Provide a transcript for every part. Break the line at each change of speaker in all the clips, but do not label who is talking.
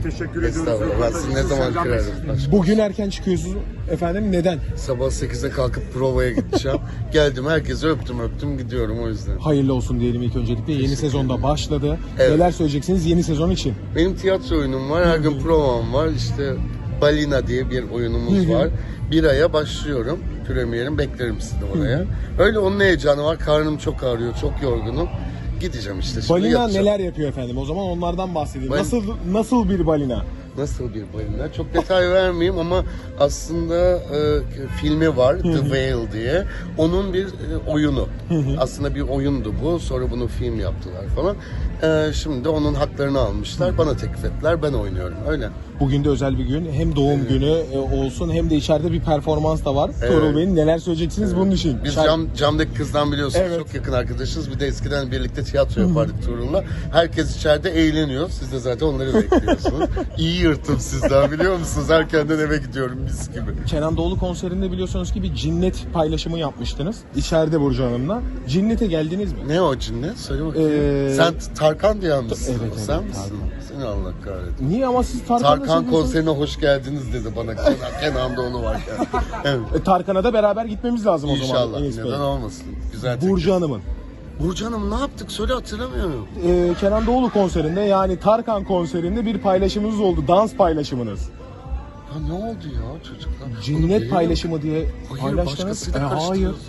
Teşekkür ediyoruz.
Estağfurullah. Ben sizi ne zaman kırarım?
Bugün erken çıkıyorsunuz efendim. Neden?
Sabah 8'de kalkıp provaya gideceğim. Geldim, herkese öptüm gidiyorum o yüzden.
Hayırlı olsun diyelim ilk öncelikle. Yeni sezonda başladı.
Evet.
Neler söyleyeceksiniz yeni sezon için?
Benim tiyatro oyunum var, her gün provam var. İşte Balina diye bir oyunumuz var. Bir aya başlıyorum. Premierim, beklerim sizi de oraya. Öyle onun heyecanı var. Karnım çok ağrıyor, çok yorgunum. Gideceğim işte. Şimdi
Balina
yatacağım.
neler yapıyor efendim? O zaman onlardan bahsedeyim.
Bal-
Nasıl bir balina?
Nasıl bir balina? Çok detay vermeyeyim ama aslında filmi var, The Whale diye. Onun bir oyunu. Aslında bir oyundu bu. Sonra bunu film yaptılar falan. Şimdi de onun haklarını almışlar. Bana teklif ettiler. Ben oynuyorum. Öyle.
Bugün de özel bir gün. Hem doğum günü olsun hem de içeride bir performans da var. Tuğrul Bey'in neler söyleyeceksiniz bunun için?
Biz camdaki kızdan biliyorsunuz,
Evet.
çok yakın arkadaşız. Bir de eskiden birlikte tiyatro yapardık Tuğrul'la. Herkes içeride eğleniyor. Siz de zaten onları bekliyorsunuz. İyi yırttım sizden, biliyor musunuz? Erkenden eve gidiyorum mis gibi.
Kenan Doğulu konserinde biliyorsunuz ki bir cinnet paylaşımı yapmıştınız. İçeride Burcu Hanım'la. Cinnete geldiniz mi?
Ne o cinnet? Söyle bakayım. Sen Tarkan diyen misin?
Evet,
Sen
evet,
misin? Seni Allah kahretsin.
Niye ama siz Tarkan'la
Tarkan
seviyorsunuz?
konserine hoş geldiniz dedi bana. Kenan Doğulu varken. Evet.
Tarkan'a da beraber gitmemiz lazım o zaman.
İnşallah.
Enis Bey.
Neden olmasın? Güzel teklif.
Burcu Hanım'ın.
Burcu Hanım ne yaptık? Söyle, hatırlamıyorum.
Kenan Doğulu konserinde yani Tarkan konserinde bir paylaşımınız oldu. Dans paylaşımınız.
Ya ne oldu ya çocuklar? Bunu
Cinnet
beğenin.
paylaşımı diye
Hayır,
paylaştınız.
başkasıyla
Hayır.
karıştırıyorsun.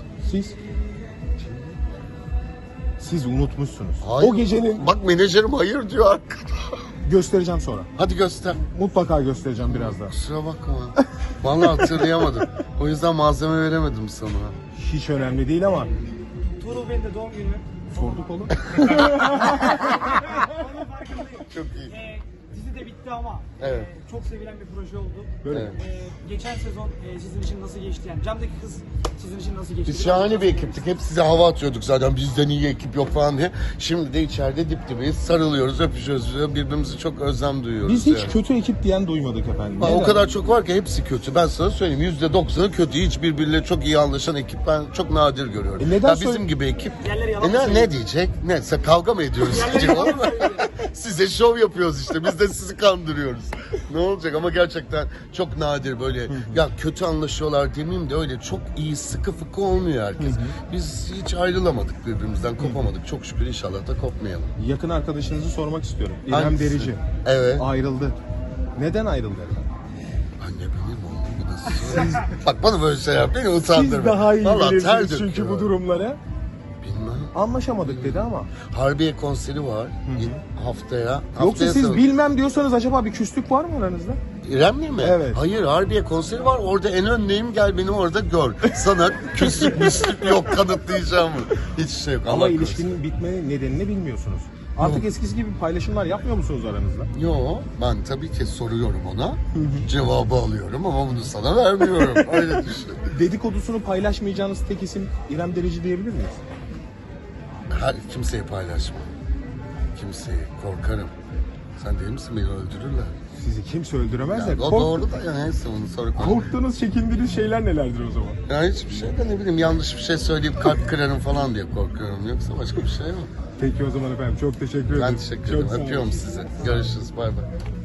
Siz unutmuşsunuz.
Hayır.
O gecenin
Bak menajerim hayır diyor arkada.
göstereceğim sonra.
Hadi göster.
Mutlaka göstereceğim birazdan.
Kusura bakma. Vallahi hatırlayamadım. O yüzden malzeme veremedim sana.
Hiç önemli değil ama
Tuğrul Bey'in de doğum günü.
sorduk oğlum.
Çok iyi.
Dizi de bitti ama
Evet.
çok sevilen bir proje oldu.
Böyle.
Evet.
Geçen sezon sizin için nasıl geçti? Yani camdaki kız sizin için nasıl geçti?
Biz şahane bir ekiptik. Hep size hava atıyorduk zaten. Bizden iyi ekip yok falan diye. Şimdi de içeride dip dibeyiz. Sarılıyoruz, öpüşüyoruz. Birbirimize çok özlem duyuyoruz.
Biz hiç
yani.
kötü ekip diyen duymadık efendim.
Bak, o
Neden?
kadar çok var ki hepsi kötü. Ben sana söyleyeyim, %90'ı kötü. Hiç birbiriyle çok iyi anlaşan ekip ben çok nadir görüyorum.
Neden
Ya bizim gibi ekip.
Yerleri yalan mı
Ne
söylüyor?
diyecek? Ne? Sen kavga mı ediyoruz? diyecek, olur mu? Size şov yapıyoruz işte. Biz de sizi kandırıyoruz. Ne olacak? Ama gerçekten çok nadir böyle. Ya kötü anlaşıyorlar demeyeyim de öyle çok iyi sıkı fıkı olmuyor herkes. Biz hiç ayrılamadık birbirimizden, kopamadık. Çok şükür, inşallah da kopmayalım.
Yakın arkadaşınızı sormak istiyorum. İrem
Hangisi?
Derici.
Evet.
Ayrıldı. Neden ayrıldı efendim?
Anne benim oğlum, bu nasıl? Bak bana böyle şey yap, beni utandırma.
Siz daha iyi
Vallahi ter
bilirsiniz çünkü
döküyor.
bu durumları.
Bilmem.
Anlaşamadık dedi ama.
Harbiye konseri var haftaya.
Yoksa siz
salı-
bilmem diyorsanız acaba bir küslük var mı aranızda?
İrem'le mi?
Evet.
Hayır, Harbiye konseri var. Orada en öndeyim, gel beni orada gör. Sana küslük müslük yok, kanıtlayacağım mı? Hiçbir şey yok.
Ama
Allah korusun.
ilişkinin bitme nedenini bilmiyorsunuz. Artık eskisi gibi paylaşımlar yapmıyor musunuz aranızda?
Yo, ben tabii ki soruyorum ona. Cevabı alıyorum ama bunu sana vermiyorum. Öyle düşün.
Dedikodusunu paylaşmayacağınız tek isim İrem Derici diyebilir miyiz?
Kimseyi paylaşma. Kimseyi. Korkarım. Sen değil misin, beni öldürürler.
Sizi kimse öldüremez de.
Yani o doğru da ya, neyse onu sonra konuşuruz.
Korktuğunuz, çekindiğiniz şeyler nelerdir o zaman?
Ya hiçbir şey de, ne bileyim, yanlış bir şey söyleyip kalp kırarım falan diye korkuyorum. Yoksa başka bir şey yok.
Peki o zaman efendim çok teşekkür ederim.
Ben teşekkür ederim.
Çok sağ olun.
Öpüyorum sizi. Görüşürüz. Bay bay.